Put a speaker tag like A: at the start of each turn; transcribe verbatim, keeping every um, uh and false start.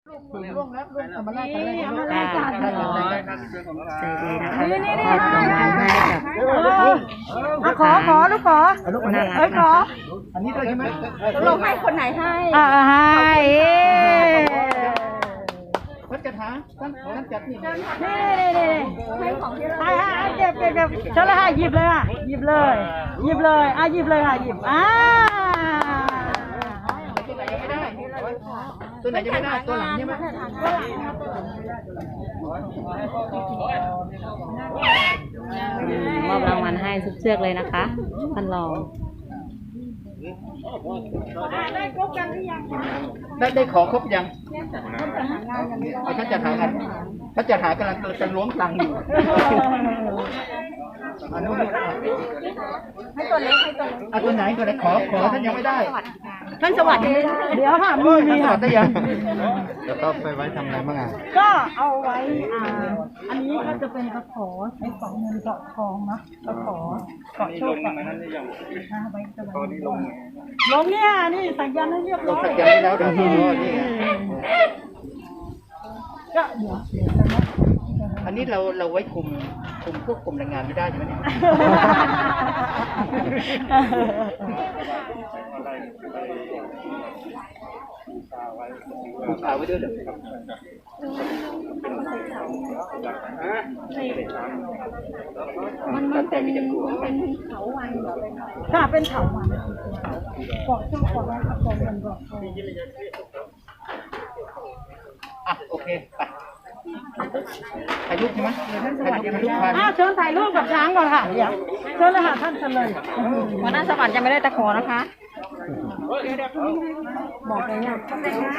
A: ร่วงแล้วร่วงธรรมราช
B: นี่เอามาเลยจ้ะ
C: ใจดีนะคะมอบรางวัลให้กับ
B: อ่ะขอขอลูกขอ
C: น่า
B: เอ้
C: รั
B: ย
C: ก
B: ขอ
A: อันนี้ด้วยใช่ไหม
D: ลงให้คนไหนให้
B: อ่าให้
A: ท่านจัดหาท่านท่านจัดนี่
B: นี่นี่นี่ให้ของที่เราให้ให้เก็บเก็บเก็บเชิญเลยค่ะหยิบเลยค่ะหยิบเลยหยิบเลยอ่ะหยิบเลยค่ะหยิบอ่า
A: ตัวไหนยังไม่ได้ตัวหลังใช่ไหม
C: มอบรางวัลให้ทุกเชือกเลยนะคะท่านรอง
B: ได้ครบกันหรือยัง
A: ได้ได้ขอครบยังเอาท่านจัดหากันท่านจัดหากำลังจะล้วงตังค์อยู่อันนู้น
D: ให้ตัวเล็กให้ตัวเล็ก
A: อ่ะตัวไหนตัวไหนขอขอท่านยังไม่ได้
D: ท่านสวัสดี
B: เดี๋ยวค่ะมีมี
A: ท่านขอ
B: ค่ะ
A: ได้ยังจะต้องไปไว้ทำอะไรบ้างอ่ะ
B: ก็เอาไว้อ่าอันนี้ก็จะเป็นกระขอใช้เกาะเงินเกาะทองเนาะกระขอเกาะโชคเกาะนะไว้จะไว้ลงลงเนี่ยนี่สัญญาณให้เรียบ
A: ล
B: ร้
A: ง
B: อย
A: สัญญาณแล้วเดี๋ยวนี่
B: ก็เดี๋ยวเดี๋ยวจะนะ
A: อันนี้เราเราไว้คุมคุมควบคุมแรงงานไม่ได้ใช่ไหมเนี่ยคุมขาไว้ด้วยเหรอมันมันเป็นมันเป็นเขาวัน
B: ค่ะเป็นเถาวัลย์เกาะโชคเกาะไว้กับเกาะเงินเกาะทอง
A: อ่ะโอเคไปถ่ายรูปใช่ไหมถ่ายรูปถ่ายรูปผ่าน
B: อ่าเชิญถ่ายรูปกับช้างก่อนค่ะเดี๋ยวเชิญเลยค่ะท่านเชิญเลย
D: วันนั้นสวรรค์ยังไม่ได้ตะขอนะคะ
B: บอกเลยเนี่ย